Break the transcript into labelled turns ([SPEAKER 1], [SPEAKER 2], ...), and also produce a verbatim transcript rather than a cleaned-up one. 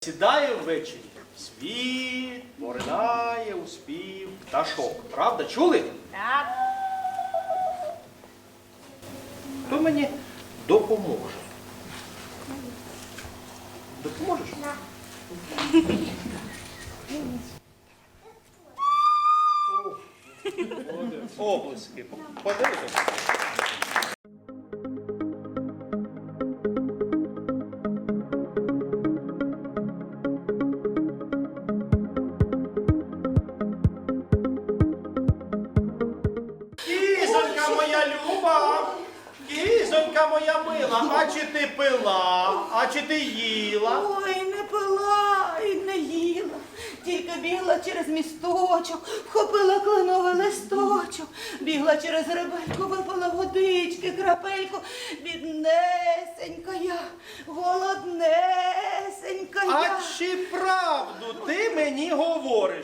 [SPEAKER 1] засідає ввечері. Світ поринає у спів пташок. Правда, чули?
[SPEAKER 2] Так.
[SPEAKER 1] Хто мені допоможе? Допоможеш? О, Облески. Подивіться. Кізонька моя люба, кізонька моя мила, а чи ти пила, а чи ти їла?
[SPEAKER 2] Ой, не пила і не їла. Тільки бігла через місточок, вхопила кленовий листочок, бігла через рибельку, випила водички, крапельку. Біднесенька я, голоднесенька я.
[SPEAKER 1] А чи правду ти мені говориш?